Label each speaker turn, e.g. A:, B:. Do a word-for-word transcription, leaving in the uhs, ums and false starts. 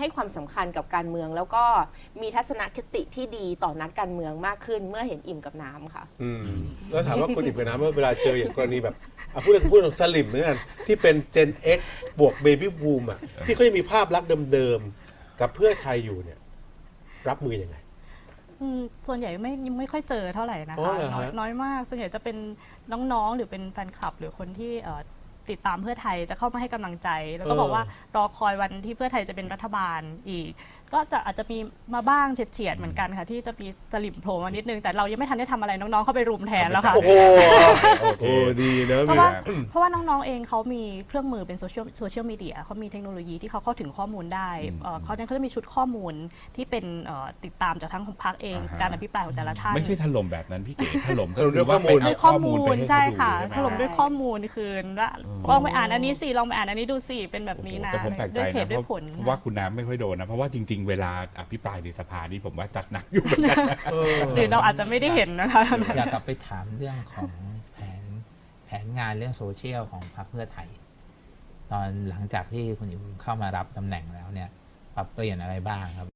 A: ให้ความสำคัญกับการเมือง แล้วก็มีทัศนคติที่ดีต่อนักการเมืองมากขึ้นเมื่อเห็นอิ่มกับน้ำค่ะ
B: อืมแล้วถามว่าคุณอิ่มกับน้ำว่าเวลาเจออย่างกรณีแบบอ่ะพูดถึงพูดถึงสลิมเหมือนกันที่เป็น Gen X บวก Baby Boom อ่ะที่เขายังมีภาพลักษณ์เดิมๆกับเพื่อไทยอยู่เนี่ยรับมือยังไง
C: อืมส่วนใหญ่ไม่ไม่ค่อยเจอเท่าไหร่นะ
B: อ๋อ
C: คะ
B: เหรอ
C: น้อย
B: ฮะ
C: น้อยมากส่วนใหญ่จะเป็นน้องๆ หรือเป็นแฟนคลับ หรือคนที่เอ่อติดตามเพื่อไทยจะเข้ามาให้กำลังใจ แล้วก็บอกว่ารอคอยวันที่เพื่อไทยจะเป็นรัฐบาลอีก ก็จะอาจจะมีมาบ้างเฉียดๆเหมือนกันค่ะที่จะมีสลิมโผล่มานิดนึงแต่เรายังไม่ทันได้ทำอะไรน้องๆเข้าไปรุมแทนแล้วค่ะ
B: โอ้โห
D: โอเค
B: โอ้ดีนะ
C: เพ
B: มี
C: ราะว่าเพราะว่าน้องๆ เองเขามีเครื่องมือเป็นโซเชียลโซเชียลมีเดียเขามีเทคโนโลยีที่เขาเข้าถึงข้อมูลได้เอ่อเขาเนี่ยเขาจะมีชุดข้อมูลที่เป็นเอ่อติดตามจากทั้งของพรรคเอง
D: อ่าฮะ
C: การอภิปรายของแต่ละท่าน
D: ไม่ใช่ถล่มแบบนั้นพี่เก๋ถล่มก็
B: ถล่มด้
D: คื
B: วย
D: อว่าไป
B: ข้อมูล
D: เอา
C: ด้วย
D: ข้
C: ข้
D: อ
C: อ
D: มู
C: มู
D: ล
C: ล
D: ไปให้
C: ใช่
D: เขาดู
C: ค่ะ
D: ใช่ไหม
C: ถล่มด้วยข้อมูลคืนว่าลองไปอ่านอันนี้สิลองไปอ่านอันนี้ดูสิเป็นแบบนี้นะ
D: แต่ผมแปลกใจ
C: ด้วยเห
D: นะ
C: ตุ
D: เพ
C: ด้วย
D: ราะ
C: ผล
D: ว่าคุณน้ำไม่ค่อยโดนนะเพราะว่าจริง ๆ เวลาอภิปรายในสภานี่ผมว่าจัดหนักอยู่เหมือนกันนะ
B: เออ
C: หรือเราอาจจะไม่ได้เห็นนะคะ
E: อยากกลับไปถามเรื่องของแผนแผนงานเรื่องโซเชียลของพรรคเพื่อไทย ตอนหลังจากที่คุณอิ๋วเข้ามารับตำแหน่งแล้วเนี่ยปรับเปลี่ยนอะไรบ้างครับ